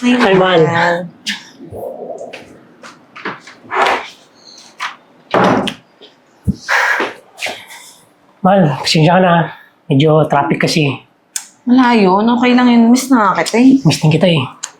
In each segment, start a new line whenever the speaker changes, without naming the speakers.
Ay, mahal. Mahal, pasensya ka na. Medyo traffic kasi.
Wala yun. Okay lang yun. Miss na kita eh.
Miss din kita eh.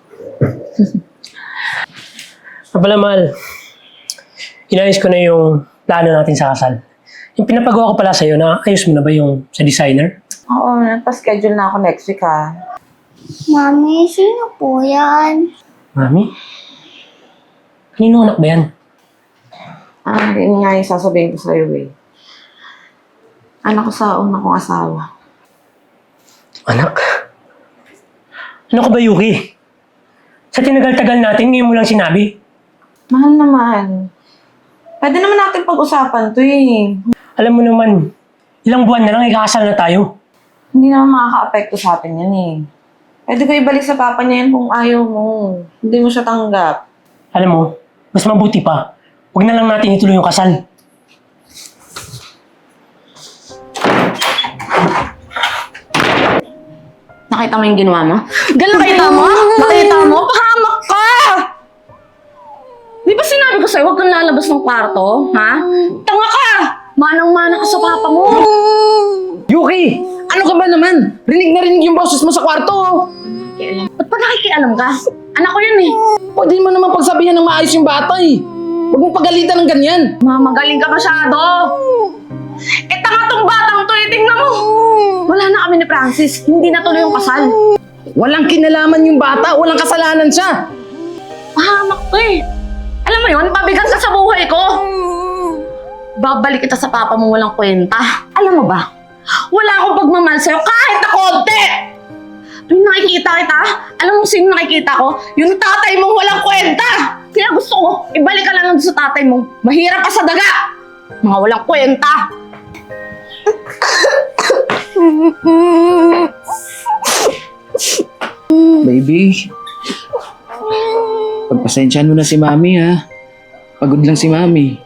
Pala, mahal. Inayos ko na yung plano natin sa kasal. Yung pinapagawa ko pala sa'yo, ayos mo na ba yung sa designer?
Oo, nagpa-schedule na ako next week ha.
Mami, sino po yan?
Mami? Kanino anak ba yan?
Yun nga yung sasabihin ko sa'yo eh. Anak ko sa una kong asawa.
Anak? Ano ka ba, Yuki? Sa tinagal-tagal natin, ngayon mo lang sinabi.
Mahal naman. Pwede naman natin pag-usapan to eh.
Alam mo naman, ilang buwan na lang ikakasal na tayo.
Hindi naman makaka-apekto sa atin yan eh. Pwede ko ibalik sa papa niya yan kung ayaw mo. Hindi mo siya tanggap.
Alam mo, mas mabuti pa. Huwag na lang natin ituloy yung kasal.
Nakita mo yung ginawa mo? Nakita mo? Nakita mo? Pahamak ka! Di ba sinabi ko sa'yo, huwag kang lalabas ng kwarto? Ha? Tanga ka! Manang-mana ka sa papa mo!
Yuki! Ano ka ba naman? Rinig na rinig yung boses mo sa kwarto.
Ba't pa nakikialam ka? Anak ko yan eh.
Pwede mo naman pagsabihan ng maayos yung bata eh. Huwag mong pagalitan ng ganyan.
Mamagaling ka masyado. Eh, tanga tong batang to eh. Tingnan mo. Wala na kami ni Francis. Hindi na tuloy yung kasal.
Walang kinalaman yung bata. Walang kasalanan siya.
Pahamak to eh. Alam mo yun, pabigat ka sa buhay ko. Babalik kita sa papa mo walang kwenta. Alam mo ba? Wala akong pagmamahal sa'yo kahit na konti. Tuwing nakikita kita, alam mo sino nakikita ko? Yung tatay mong walang kwenta. Kaya gusto ko, ibalik ka lang doon sa tatay mo. Mahirap ka sa daga. Mga walang kwenta.
Baby, pagpasensyahan mo na si Mami ha. Pagod lang si Mami.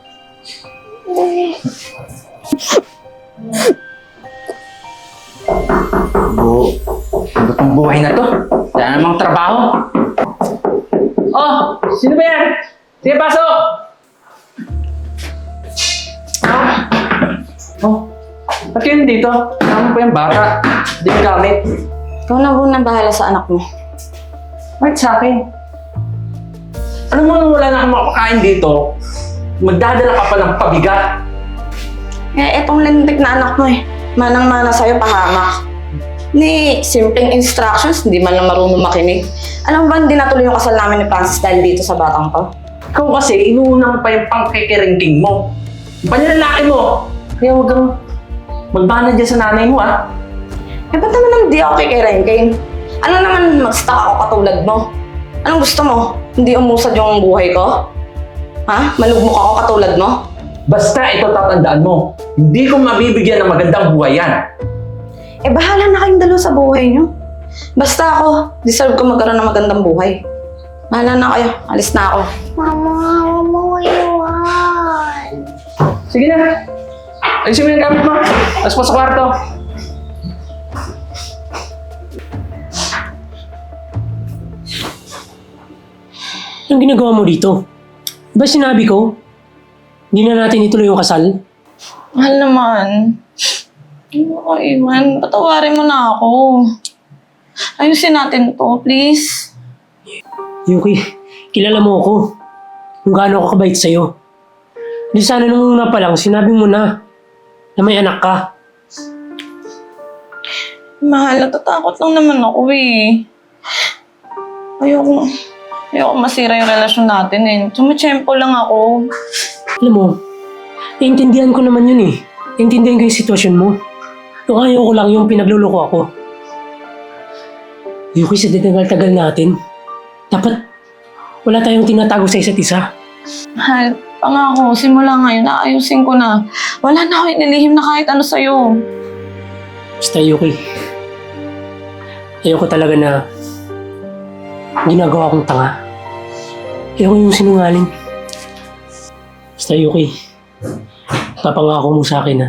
Ano tong buhay na to? Wala namang trabaho. Oh, sino ba yan? Sige, pasok! Oh, ba't yun dito? Tama pa yung bata. Hindi yung gamit.
Ikaw na muna bahala sa anak mo.
Bakit sa akin? Alam mo nung wala na akong makakain dito, magdadala ka pa ng pabigat.
Eh, etong lintik na anak mo eh. Manang-mana sa'yo, pahamak. Ni simpleng instructions, hindi man lang marunong makinig. Alam mo ba, hindi natuloy yung kasal namin ni Francis dahil dito sa batang to?
Ikaw kasi, inuuna mo pa yung pangkikiringking mo. Yung panyalalaki mo. Kaya huwag kang magbana dyan sa nanay mo, ah.
Eh, ba't naman hindi ako kikirengking? Ano naman mag-stuck ako katulad mo? Anong gusto mo? Hindi umusad yung buhay ko? Ha? Malugmok ako katulad mo?
Basta ito tatandaan mo, hindi ko mabibigyan ng magandang buhay yan.
Eh, bahala na kayong dalawa sa buhay niyo. Basta ako, deserve ko magkaroon ng magandang buhay. Bahala na kayo. Alis na ako.
Mama, huwag mo iwan.
Sige na. Ayusin mo yung gamit mo. Tapos po sa kwarto.
Anong ginagawa mo dito? Diba sinabi ko, hindi na natin ituloy yung kasal?
Mahal naman. Hindi mo ko iwan. Patawarin mo na ako. Ayusin natin to, please.
Yuki, kilala mo ako. Kung gaano ako kabait sa'yo. Hindi sana nung una pa lang, sinabi mo na may anak ka.
Mahal, natatakot lang naman ako eh. Ayoko masira yung relasyon natin eh. Tumitsyempo lang ako.
Alam mo, naiintindihan ko naman yun eh. Naiintindihan ko yung sitwasyon mo. Yung ayaw ko lang yung pinagluloko ako. Yuki, sa tinagal-tagal natin, dapat wala tayong tinatago sa isa't isa.
Mahal, pangako, simula ngayon, naayusin ko na. Wala na ako inilihim na kahit ano sa'yo.
Basta Yuki, ayoko talaga na ginagawa kong tanga. Ayoko yung sinungaling. Basta Yuki, papangako mo sa akin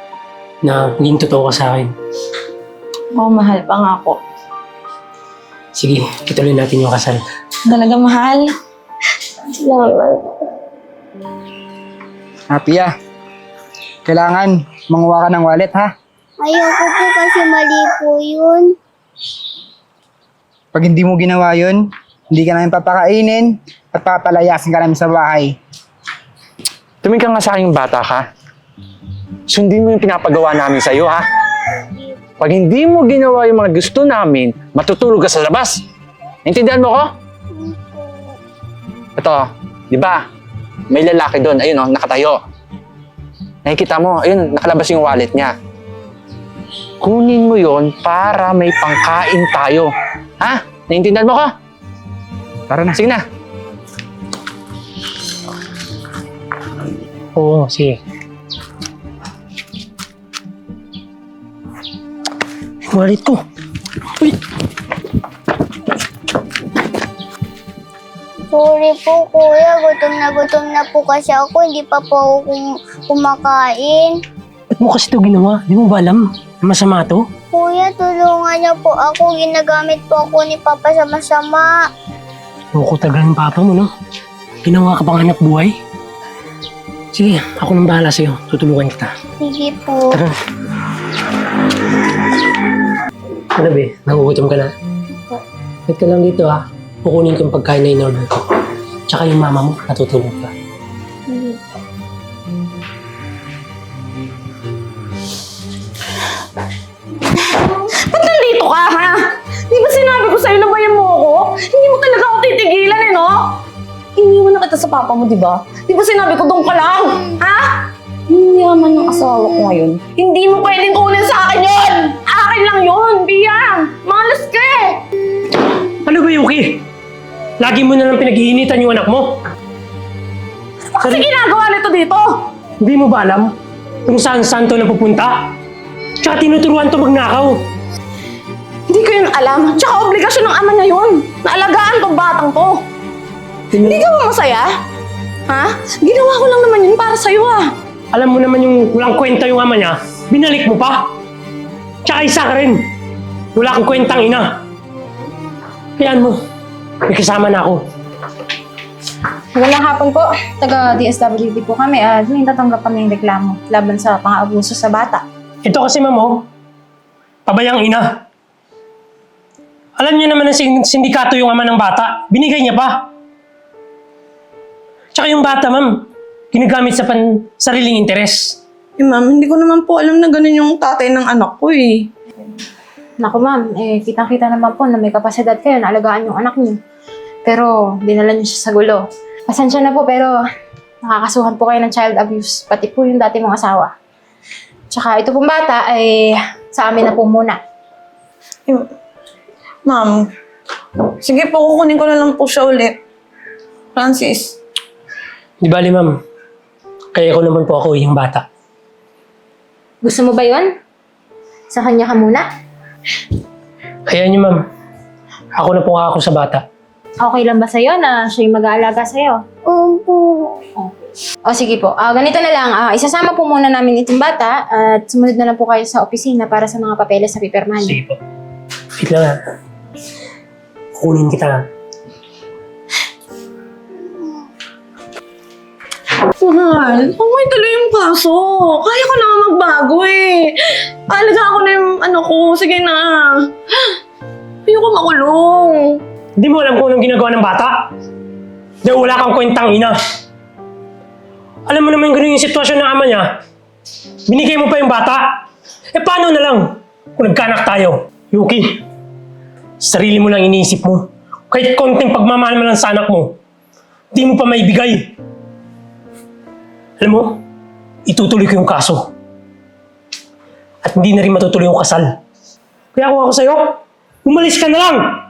na maging totoo ka sa akin.
Oo, mahal, pangako.
Sige, ituloy natin yung kasal.
Talaga, mahal.
Salamat.
Pia, kailangan manguha ka ng wallet, ha?
Ayoko po kasi mali po yun.
Pag hindi mo ginawa yun, hindi ka namin papakainin at papalayasin ka namin sa bahay.
Tumingin ka nga sa aking bata ka. Sundin mo yung pinapagawa namin sa'yo, ha? Pag hindi mo ginawa yung mga gusto namin, matutulog ka sa labas. Naintindihan mo ko? Ito, di ba? May lalaki doon, ayun oh, nakatayo. Nakikita mo, ayun, nakalabas yung wallet niya. Kunin mo yon para may pangkain tayo. Ha? Naintindihan mo ko?
Tara na.
Sige na.
Oo, sige. Wallet ko. Uy!
Sorry po, kuya. Gutom na po kasi ako. Hindi pa po ako kumakain.
Ba't mo kasi ito ginawa? Di mo ba alam? Masama to?
Kuya, tulungan niyo po ako. Ginagamit po ako ni Papa sa masama.
Loko tagal ng papa mo, no? Ginawa ka bang anak buhay? Sige, ako nang bahala sa'yo. Tutulungan kita.
Sige po.
Tara. Ano be? Nagugutom ka na? Wait ka lang dito ha. Kukunin ko yung pagkain na in-order ko. Tsaka yung mama mo, natutulog ka.
Ba't nandito ka, ha? Di ba sinabi ko sa'yo na bayan mo ako? Hindi mo talaga ako titigilan, eh, no? Iniwan na kita sa papa mo, di ba? Di ba sinabi ko doon ka lang? Ha? Yung yaman ng asawa ko ngayon, hindi mo pwedeng kunin sa akin yun! Akin lang yun, Biyang! Malas ka eh!
Ano ba, Yuki? Lagi mo na lang pinag-iinitan yung anak mo.
Ano kasi ginagawa nito dito?
Hindi mo ba alam kung saan-saan to napupunta? Tsaka tinuturuan to magnakaw.
Hindi ko yun alam. Tsaka obligasyon ng ama niya yun. Naalagaan tong batang to. Hindi ka ba masaya? Ha? Ginawa ko lang naman yun para sa'yo ah.
Alam mo naman yung walang kwenta yung ama niya, binalik mo pa. Tsaka isa ka rin. Wala kang kwentang ina. Kayaan mo, may kasama na ako.
Magandang hapon po. Taga DSWD po kami at may tatanggap kami ng reklamo laban sa pang-aabuso sa bata.
Ito kasi mamo, pabayang ina. Alam niyo naman na sindikato yung ama ng bata, binigay niya pa. Tsaka yung bata, ma'am, ginagamit sa sariling interes.
Eh ma'am, hindi ko naman po alam na ganun yung tatay ng anak ko eh.
Naku ma'am, kitang-kita naman po na may kapasidad kayo na alagaan yung anak niyo. Pero dinala niyo siya sa gulo. Pasensya na po pero nakakasuhan po kayo ng child abuse, pati po yung dati mong asawa. Tsaka ito pong bata ay sa amin na po muna.
Ma'am, sige po, kukunin ko na lang po siya ulit. Francis.
Di bali, ma'am, kaya ko naman po ako yung bata.
Gusto mo ba yun? Sa kanya ka muna?
Kaya niyo, ma'am, ako na po ako sa bata.
Okay lang ba sa'yo na siya yung mag-aalaga sa'yo?
Opo.
O sige po, ganito na lang. Isasama po muna namin itong bata at sumunod na lang po kayo sa opisina para sa mga papeles sa pipirmahan.
Sige po. Wait lang ha. Kukunin kita.
Mahal, huwag mo ituloy yung kaso. Kaya ko na magbago eh. Alaga ako na yung ano ko. Sige na. Ayoko makulong.
Hindi mo alam kung anong ginagawa ng bata? Dahil wala kang kwentang ina. Alam mo naman ganun yung sitwasyon ng ama niya. Binigay mo pa yung bata. Eh paano na lang kung nagkanak tayo? Yuki, sarili mo lang iniisip mo. Kahit konting pagmamahal mo lang sa anak mo, di mo pa maibigay. Alam mo, itutuloy ko yung kaso. At hindi na rin matutuloy yung kasal. Kaya kung ako sa'yo, umalis ka na lang!